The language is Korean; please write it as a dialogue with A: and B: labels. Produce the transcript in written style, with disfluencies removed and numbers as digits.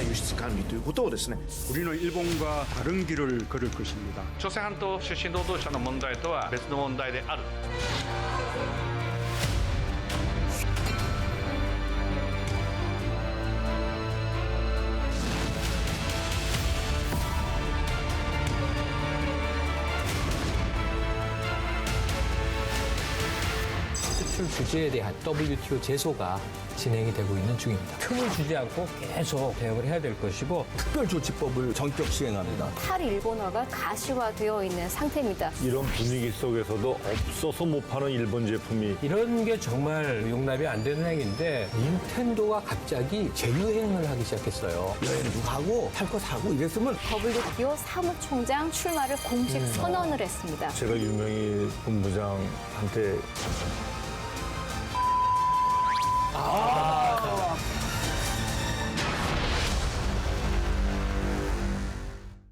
A: 輸出管理ということをですね
B: 우리는 일본과 다른 길을 걸을 것입니다.
C: 朝鮮半島出身労働者の問題とは別の問題である。
D: 수출 규제에 대한 WTO 제소가 진행이 되고 있는 중입니다. 틈을 주지 않고 계속 대응을 해야 될 것이고
E: 특별조치법을 전격 시행합니다.
F: 탈일본어가 가시화되어 있는 상태입니다.
G: 이런 분위기 속에서도 없어서 못 파는 일본 제품이
D: 이런 게 정말 용납이 안 되는 행위인데 닌텐도가 갑자기 재유행을 하기 시작했어요.
E: 여행도 가고 살 거 사고 이랬으면
F: WTO 사무총장 출마를 공식 선언을 했습니다.
G: 제가 유명희 본부장한테